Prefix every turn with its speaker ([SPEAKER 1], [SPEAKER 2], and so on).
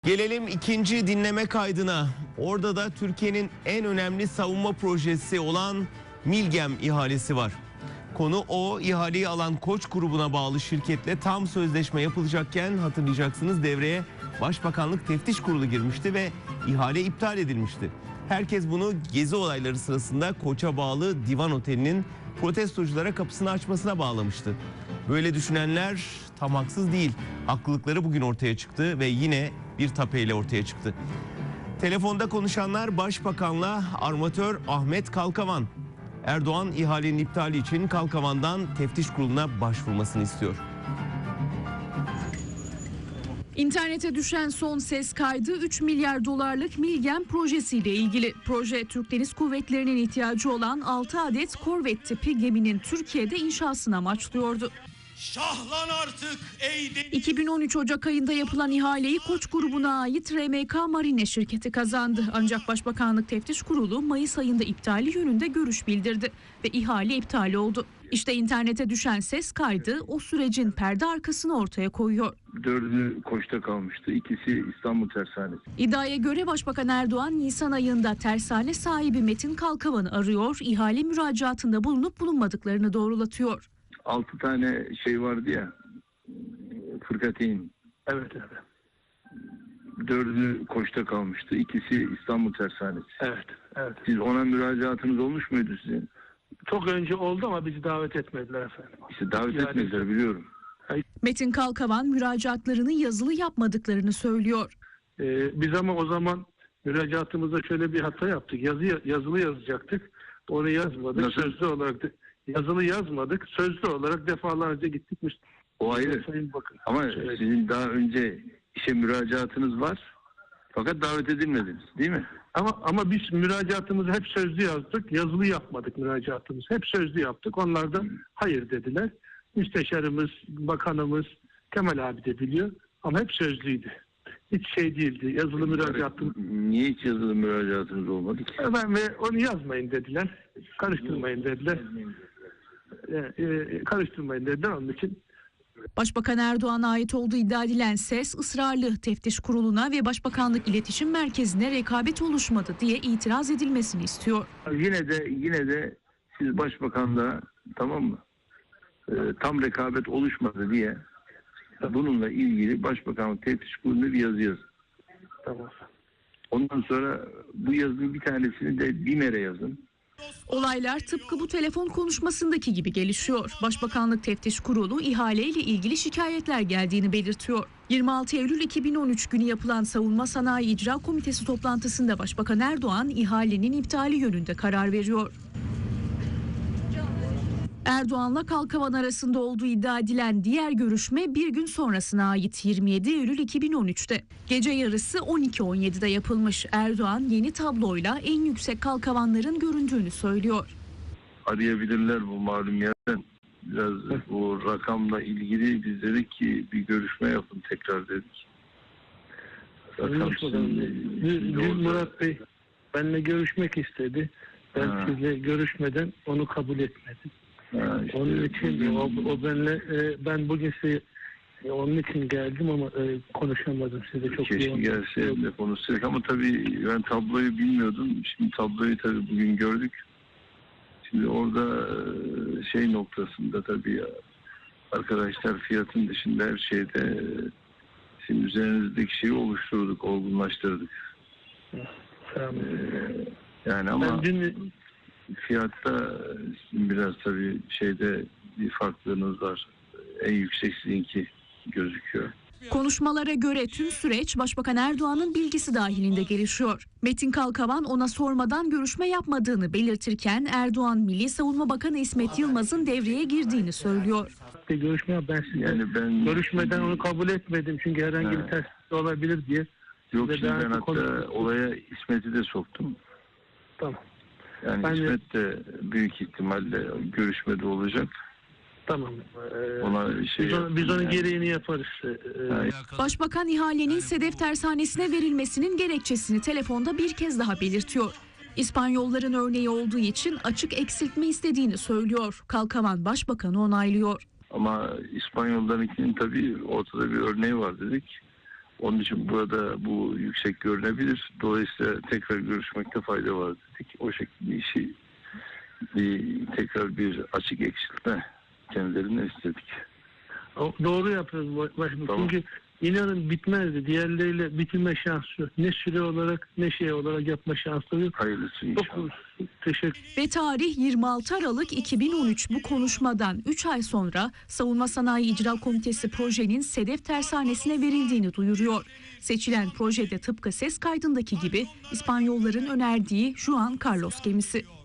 [SPEAKER 1] Gelelim ikinci dinleme kaydına. Orada da Türkiye'nin en önemli savunma projesi olan Milgem ihalesi var. Konu o, ihaleyi alan Koç grubuna bağlı şirketle tam sözleşme yapılacakken hatırlayacaksınız devreye Başbakanlık Teftiş Kurulu girmişti ve ihale iptal edilmişti. Herkes bunu gezi olayları sırasında Koç'a bağlı Divan Oteli'nin protestoculara kapısını açmasına bağlamıştı. Böyle düşünenler tam haksız değil. Haklılıkları bugün ortaya çıktı ve yine bir tapeyle ortaya çıktı. Telefonda konuşanlar Başbakan'la armatör Ahmet Kalkavan. Erdoğan ihalenin iptali için Kalkavan'dan teftiş kuruluna başvurmasını istiyor.
[SPEAKER 2] İnternete düşen son ses kaydı 3 milyar dolarlık Milgem projesiyle ilgili. Proje Türk Deniz Kuvvetleri'nin ihtiyacı olan 6 adet korvet tipi geminin Türkiye'de inşasını amaçlıyordu.
[SPEAKER 3] Şahlan artık ey deniz.
[SPEAKER 2] 2013 Ocak ayında yapılan ihaleyi Koç grubuna ait RMK Marine şirketi kazandı. Ancak Başbakanlık Teftiş Kurulu Mayıs ayında iptali yönünde görüş bildirdi ve ihale iptal oldu. İşte internete düşen ses kaydı o sürecin perde arkasını ortaya koyuyor.
[SPEAKER 4] 4'ü Koç'ta kalmıştı. İkisi İstanbul Tersanesi.
[SPEAKER 2] İddiaya göre Başbakan Erdoğan Nisan ayında tersane sahibi Metin Kalkavan'ı arıyor, ihale müracaatında bulunup bulunmadıklarını doğrulatıyor.
[SPEAKER 4] 6 tane şey vardı ya, fırkateyn.
[SPEAKER 5] Evet, evet.
[SPEAKER 4] 4'ü Koç'ta kalmıştı. İkisi İstanbul Tersanesi.
[SPEAKER 5] Evet, evet.
[SPEAKER 4] Siz ona müracaatınız olmuş muydu sizin?
[SPEAKER 5] Çok önce oldu ama bizi davet etmediler efendim.
[SPEAKER 4] İşte davet etmediler, biliyorum.
[SPEAKER 2] Metin Kalkavan müracaatlarını yazılı yapmadıklarını söylüyor.
[SPEAKER 5] Biz ama o zaman müracaatımızda şöyle bir hata yaptık. Yazılı yazacaktık. Onu yazmadık.
[SPEAKER 4] Nasıl?
[SPEAKER 5] Sözlü olarak yazılı yazmadık. Sözlü olarak defalarca gittik.
[SPEAKER 4] O ayrı.
[SPEAKER 5] Sayın Bakın.
[SPEAKER 4] Ama
[SPEAKER 5] Evet.
[SPEAKER 4] sizin daha önce işe müracaatınız var. Fakat davet edilmediniz, değil mi?
[SPEAKER 5] Ama biz müracaatımızı hep sözlü yazdık. Yazılı yapmadık müracaatımızı. Hep sözlü yaptık. Onlar da hayır dediler. Müsteşarımız, bakanımız, Kemal abi de biliyor. Ama hep sözlüydü. Hiç şey değildi. Yazılı müracaatım.
[SPEAKER 4] Niye hiç yazılı müracaatınız olmadı ki?
[SPEAKER 5] Ve onu yazmayın dediler. Karıştırmayın dediler. Karıştırmayın dediler, onun için.
[SPEAKER 2] Başbakan Erdoğan'a ait olduğu iddia edilen ses ısrarlı teftiş kuruluna ve Başbakanlık İletişim Merkezi'ne rekabet oluşmadı diye itiraz edilmesini istiyor.
[SPEAKER 4] Yine de siz Başbakan'la, tamam mı? Tam rekabet oluşmadı diye bununla ilgili Başbakanlık Teftiş Kurulu'na bir yazı yazın.
[SPEAKER 5] Tamam.
[SPEAKER 4] Ondan sonra bu yazının bir tanesini de BİMER'e yazın.
[SPEAKER 2] Olaylar tıpkı bu telefon konuşmasındaki gibi gelişiyor. Başbakanlık Teftiş Kurulu ihaleyle ilgili şikayetler geldiğini belirtiyor. 26 Eylül 2013 günü yapılan Savunma Sanayi İcra Komitesi toplantısında Başbakan Erdoğan ihalenin iptali yönünde karar veriyor. Erdoğan'la Kalkavan arasında olduğu iddia edilen diğer görüşme bir gün sonrasına ait 27 Eylül 2013'te. Gece yarısı 12.17'de yapılmış. Erdoğan yeni tabloyla en yüksek kalkavanların göründüğünü söylüyor.
[SPEAKER 4] Arayabilirler bu malum yerden. Biraz bu rakamla ilgili biz dedik ki bir görüşme yapın tekrar dedik.
[SPEAKER 5] Dün Murat Bey benimle görüşmek istedi. Ben sizle görüşmeden onu kabul etmedim.
[SPEAKER 4] İşte
[SPEAKER 5] Onun için o benimle ben bugün size onun için geldim ama konuşamadım size çok
[SPEAKER 4] keşke gelse de konuşsak ama tabii ben tabloyu bilmiyordum. Şimdi tabloyu tabii bugün gördük. Şimdi orada şey noktasında tabii arkadaşlar fiyatın dışında her şeyde şimdi üzerinizdeki şeyi oluşturduk, olgunlaştırdık. Yani ama fiyatta biraz tabii şeyde bir farklılığınız var. En yüksek sizinki gözüküyor.
[SPEAKER 2] Konuşmalara göre tüm süreç Başbakan Erdoğan'ın bilgisi dahilinde gelişiyor. Metin Kalkavan ona sormadan görüşme yapmadığını belirtirken Erdoğan Milli Savunma Bakanı İsmet Yılmaz'ın devreye girdiğini söylüyor.
[SPEAKER 5] Görüşme ben görüşmeden onu kabul etmedim çünkü herhangi bir terslik olabilir diye.
[SPEAKER 4] Yok şimdi ben hatta olaya İsmet'i de soktum.
[SPEAKER 5] Tamam.
[SPEAKER 4] Yani İsmet de büyük ihtimalle görüşmede olacak.
[SPEAKER 5] Tamam.
[SPEAKER 4] Ona
[SPEAKER 5] biz onun gereğini yaparız.
[SPEAKER 2] Başbakan ihalenin Sedef Tersanesi'ne verilmesinin gerekçesini telefonda bir kez daha belirtiyor. İspanyolların örneği olduğu için açık eksiltme istediğini söylüyor. Kalkavan Başbakan'ı onaylıyor.
[SPEAKER 4] Ama İspanyollarınkinin tabii ortada bir örneği var dedik. Onun için burada bu yüksek görünebilir. Dolayısıyla tekrar görüşmekte fayda var dedik. O şekilde işi tekrar bir açık eksiltme kendilerinden istedik.
[SPEAKER 5] Doğru yapıyoruz başkanım.
[SPEAKER 4] Tamam.
[SPEAKER 5] Çünkü inanın bitmezdi. Diğerleriyle bitirme şansı yok. Ne süre olarak ne şey olarak yapma şansı yok.
[SPEAKER 4] Hayırlısı inşallah.
[SPEAKER 5] Çok teşekkür.
[SPEAKER 2] Ve tarih 26 Aralık 2013. Bu konuşmadan 3 ay sonra Savunma Sanayi İcra Komitesi projenin Sedef Tersanesi'ne verildiğini duyuruyor. Seçilen projede tıpkı ses kaydındaki gibi İspanyolların önerdiği Juan Carlos gemisi.